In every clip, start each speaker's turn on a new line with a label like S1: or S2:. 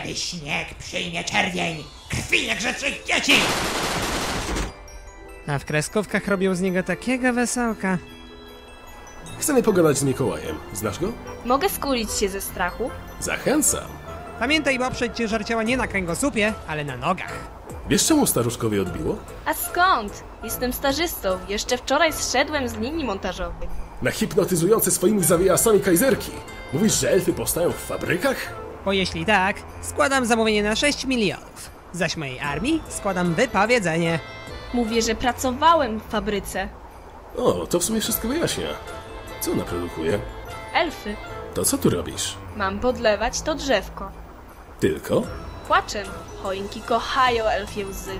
S1: Kiedy śnieg przyjmie czerwień, krwi niegrzecznych dzieci!
S2: A w kreskówkach robią z niego takiego wesołka.
S3: Chcemy pogadać z Mikołajem. Znasz go?
S4: Mogę skulić się ze strachu?
S3: Zachęcam.
S2: Pamiętaj, bo oprzeć ciężar ciała nie na kręgosłupie, ale na nogach.
S3: Wiesz, czemu staruszkowi odbiło?
S4: A skąd? Jestem stażystą. Jeszcze wczoraj zszedłem z linii montażowej.
S3: Na hipnotyzujące swoimi zawijasami kajzerki. Mówisz, że elfy powstają w fabrykach?
S2: Bo jeśli tak, składam zamówienie na 6 milionów. Zaś mojej armii składam wypowiedzenie.
S4: Mówię, że pracowałem w fabryce.
S3: O, to w sumie wszystko wyjaśnia. Co ona produkuje?
S4: Elfy.
S3: To co tu robisz?
S4: Mam podlewać to drzewko.
S3: Tylko?
S4: Płaczem. Choinki kochają elfie łzy.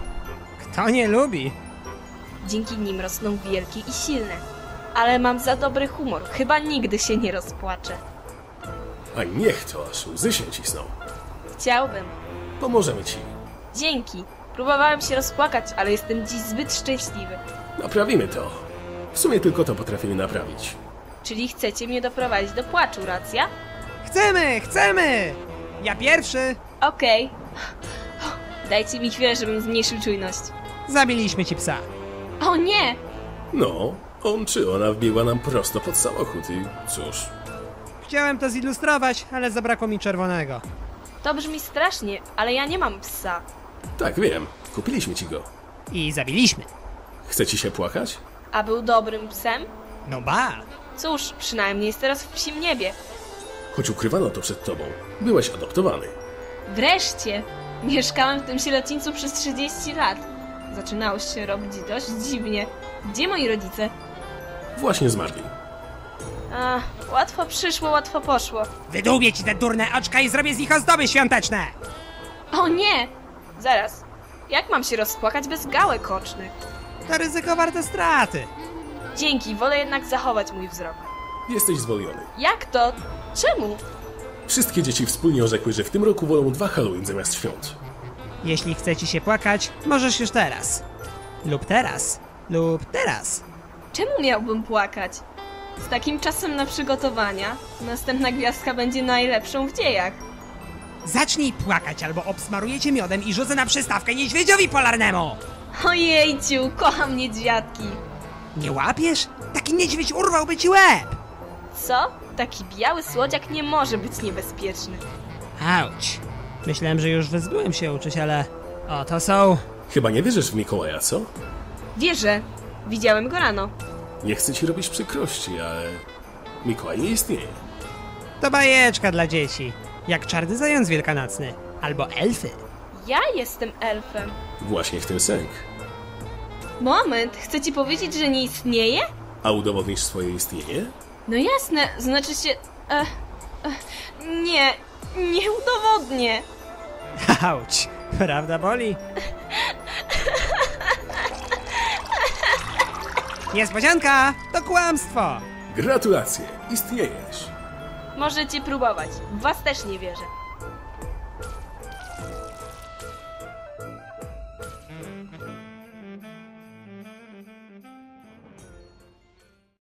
S2: Kto nie lubi?
S4: Dzięki nim rosną wielkie i silne. Ale mam za dobry humor. Chyba nigdy się nie rozpłaczę.
S3: A niech to, aż łzy się cisną.
S4: Chciałbym.
S3: Pomożemy ci.
S4: Dzięki. Próbowałem się rozpłakać, ale jestem dziś zbyt szczęśliwy.
S3: Naprawimy to. W sumie tylko to potrafimy naprawić.
S4: Czyli chcecie mnie doprowadzić do płaczu, racja?
S2: Chcemy, chcemy! Ja pierwszy!
S4: Okej. Dajcie mi chwilę, żebym zmniejszył czujność.
S2: Zabiliśmy ci psa.
S4: O nie!
S3: No, on czy ona wbiegła nam prosto pod samochód i cóż.
S2: Chciałem to zilustrować, ale zabrakło mi czerwonego.
S4: To brzmi strasznie, ale ja nie mam psa.
S3: Tak, wiem. Kupiliśmy ci go.
S2: I zabiliśmy.
S3: Chce ci się płakać?
S4: A był dobrym psem?
S2: No ba!
S4: Cóż, przynajmniej jest teraz w psim niebie.
S3: Choć ukrywano to przed tobą. Byłeś adoptowany.
S4: Wreszcie! Mieszkałem w tym sierocińcu przez 30 lat. Zaczynało się robić dość dziwnie. Gdzie moi rodzice?
S3: Właśnie zmarli.
S4: A, łatwo przyszło, łatwo poszło.
S2: Wydłubię ci te durne oczka i zrobię z nich ozdoby świąteczne!
S4: O nie! Zaraz. Jak mam się rozpłakać bez gałek ocznych?
S2: To ryzyko warte straty.
S4: Dzięki, wolę jednak zachować mój wzrok.
S3: Jesteś zwolniony.
S4: Jak to? Czemu?
S3: Wszystkie dzieci wspólnie orzekły, że w tym roku wolą 2 Halloween zamiast świąt.
S2: Jeśli chce ci się płakać, możesz już teraz. Lub teraz. Lub teraz.
S4: Czemu miałbym płakać? Z takim czasem na przygotowania, następna gwiazdka będzie najlepszą w dziejach.
S2: Zacznij płakać, albo obsmaruję cię miodem i rzucę na przystawkę niedźwiedziowi polarnemu!
S4: Ojejciu, kocham niedźwiadki.
S2: Nie łapiesz? Taki niedźwiedź urwałby ci łeb!
S4: Co? Taki biały słodziak nie może być niebezpieczny.
S2: Auć. Myślałem, że już wyzbyłem się uczyć, ale... Oto są...
S3: Chyba nie wierzysz w Mikołaja, co?
S4: Wierzę. Widziałem go rano.
S3: Nie chcę ci robić przykrości, ale... Mikołaj nie istnieje.
S2: To bajeczka dla dzieci. Jak czarny zając wielkanocny. Albo elfy.
S4: Ja jestem elfem.
S3: Właśnie w tym sęk.
S4: Moment, chcę ci powiedzieć, że nie istnieje?
S3: A udowodnisz swoje istnienie?
S4: No jasne, znaczy się... nie, nie udowodnię.
S2: Auć. Prawda boli? Niespodzianka! To kłamstwo!
S3: Gratulacje! Istniejesz!
S4: Możecie próbować. W was też nie wierzę.